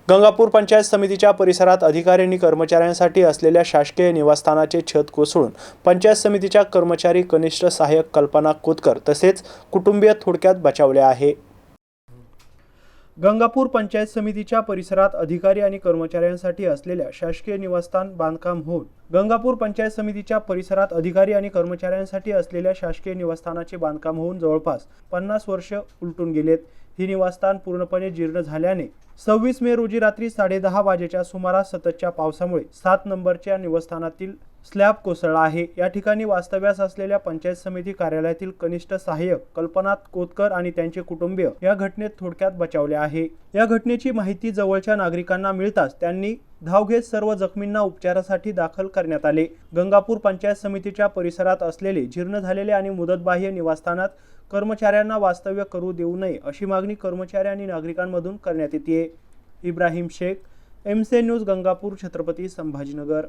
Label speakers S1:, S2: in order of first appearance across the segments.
S1: गंगापूर पंचायत समितीच्या परिसरात अधिकारी आणि कर्मचाऱ्यांसाठी असलेल्या शासकीय निवासस्थानाचे छत कोसळून पंचायत समितीच्या कर्मचारी कनिष्ठ सहाय्यक कल्पना कोतकर तसेच कुटुंबीय थोडक्यात बचावले आहे। गंगापूर पंचायत समितीच्या परिसरात अधिकारी आणि कर्मचाऱ्यांसाठी असलेल्या शासकीय निवासस्थान बांधकाम होऊन गंगापूर पंचायत समितीच्या परिसरात अधिकारी आणि कर्मचाऱ्यांसाठी असलेल्या शासकीय निवासस्थानाचे बांधकाम होऊन जवळपास 50 वर्ष उलटून गेलेत। ही निवासस्थान पूर्णपणे जीर्ण झाल्याने 26 मे रोजी रात्री 10:30 वाजेच्या सुमारास सततच्या पावसामुळे 7 नंबरच्या निवासस्थानातील स्लॅब कोसळला आहे। या ठिकाणी वास्तव्यास असलेल्या पंचायत समिती कार्यालयातील कनिष्ठ सहाय्यक कल्पना कोतकर आणि त्यांचे कुटुंबीय या घटनेत थोडक्यात बचावले आहे। या घटनेची माहिती जवळच्या नागरिकांना मिळताच त्यांनी धाव घेत सर्व जखमींना उपचारासाठी दाखल करण्यात आले। गंगापूर पंचायत समितीच्या परिसरात असलेले जीर्ण झालेले आणि मुदतबाह्य निवासस्थानात कर्मचाऱ्यांना वास्तव्य करू देऊ नये अशी मागणी कर्मचारी आणि नागरिकांमधून करण्यात येते। Ibrahim Shaikh, MC news, Gangapur, Chhatrapati Sambhajinagar.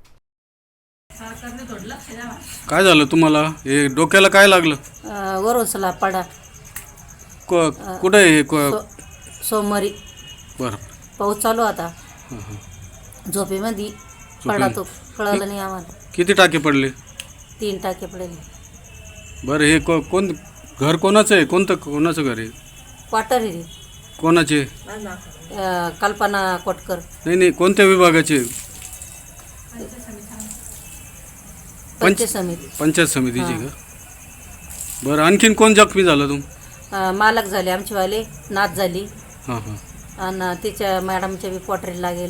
S2: काय झालं तुम्हाला? हे डोक्याला काय लागलं?
S3: वरून स्लॅब पडा।
S2: कुठे आहे हे?
S3: सोमवारी
S2: बरं,
S3: पाऊस चालू आता। झोपेमध्ये पडा तो, कळलं नाही आम्हाला।
S2: किती टाके पडले?
S3: 3 टाके पडले।
S2: बरं, हे कोण घर कोणाचं आहे? कोणाचं घर आहे?
S3: क्वार्टर आहे।
S2: कोणाचे?
S3: कल्पना कोटकर।
S2: नाही, कोणत्या विभागाचे? पंचायत समितीचे का? बरं, आणखीन कोण जखमी झालं?
S3: मालक झाले, आमचे वाले नाथ झाली।
S2: हां
S3: आणि तिच्या मॅडमच्या बी क्वार्टरला गेले।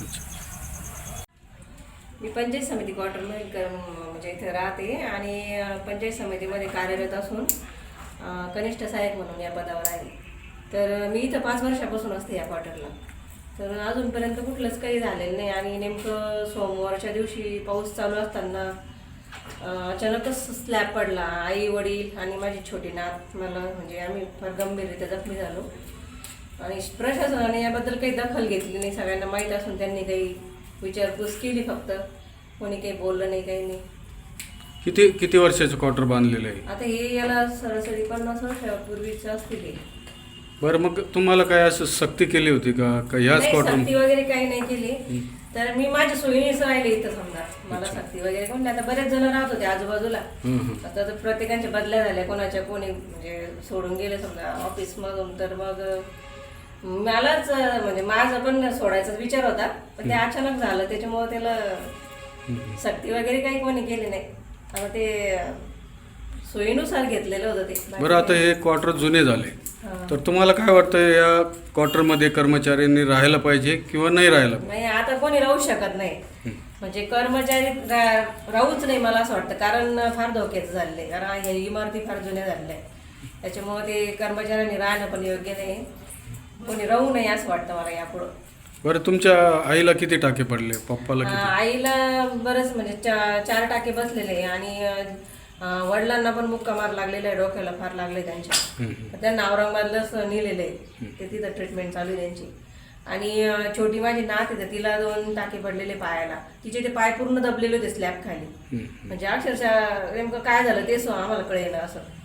S4: मी पंचायत समिती क्वार्टरमध्ये म्हणजे इथे राहते आणि पंचायत समितीमध्ये कार्यरत असून कनिष्ठ सहाय्यक म्हणून या पदावर आहे। तर मी इथं 5 वर्षापासून असते या क्वार्टरला। तर अजूनपर्यंत कुठलंच काही झालेलं नाही आणि नेमकं सोमवारच्या दिवशी पाऊस चालू असताना अचानकच स्लॅब पडला। आई वडील आणि माझी छोटी नात मला म्हणजे आम्ही फार गंभीररित्या जखमी झालो आणि प्रशासनाने याबद्दल काही दखल घेतली नाही। सगळ्यांना माहीत असून त्यांनी काही विचारपूस केली, फक्त कोणी काही बोललं नाही, काही नाही।
S2: किती वर्षाचं क्वार्टर बांधलेलं आहे?
S4: आता हे याला सरासरी 50 वर्षापूर्वीच असतील।
S2: बरं, मग तुम्हाला काय असं सक्ती केली होती का ह्याच क्वार्टर?
S4: सक्ती वगैरे काही नाही केली। तर मी माझ्या सोयीनेच राहिले इथं। समजा मला सक्ती वगैरे कोण नाही। आता बरेच जण राहत होते आजूबाजूला, आता तर प्रत्येकाच्या बदल्या झाल्या, कोणाच्या कोणी म्हणजे सोडून गेले समजा ऑफिसमधून। तर मग मलाच म्हणजे माझा पण सोडायचा विचार होता, पण ते अचानक झालं, त्याच्यामुळे त्याला सक्ती वगैरे काही कोणी केली नाही। आता ते सोयीनुसार घेतलेलं होतं ते।
S2: बरं, आता हे क्वार्टर जुने झाले, तर तुम्हाला काय वाटतं या क्वार्टरमध्ये कर्मचाऱ्यांनी राहायला पाहिजे किंवा नाही राहायला?
S4: नाही, आता कोणी राहू शकत नाही, म्हणजे कर्मचारी राहूच नाही मला असं वाटतं, कारण फार धोक्याचं झालेलं आहे। कारण हे इमारती फार जुन्या झालेल्या आहेत, त्याच्यामुळे ते कर्मचाऱ्यांनी राहणं पण योग्य नाही, कोणी राहू नये असं वाटतं मला यापुढं।
S2: बरं, तुमच्या आईला किती टाके पडले? पप्पाला किती?
S4: आईला बरंच म्हणजे 4 टाके बसलेले आणि वडिलांना पण मुक्का मार लागलेला आहे, डोक्याला फार लागले त्यांच्या। त्यांना औरंगाबादलाच नेलेलं आहे, ते तिथं ट्रीटमेंट चालू आहे त्यांची। आणि छोटी माझी नात आहे, तिला 2 टाके पडलेले पायाला, तिचे ते पाय पूर्ण दबलेले होते स्लॅब खाली, म्हणजे अक्षरशः नेमकं काय झालं ते आम्हाला कळेना असं।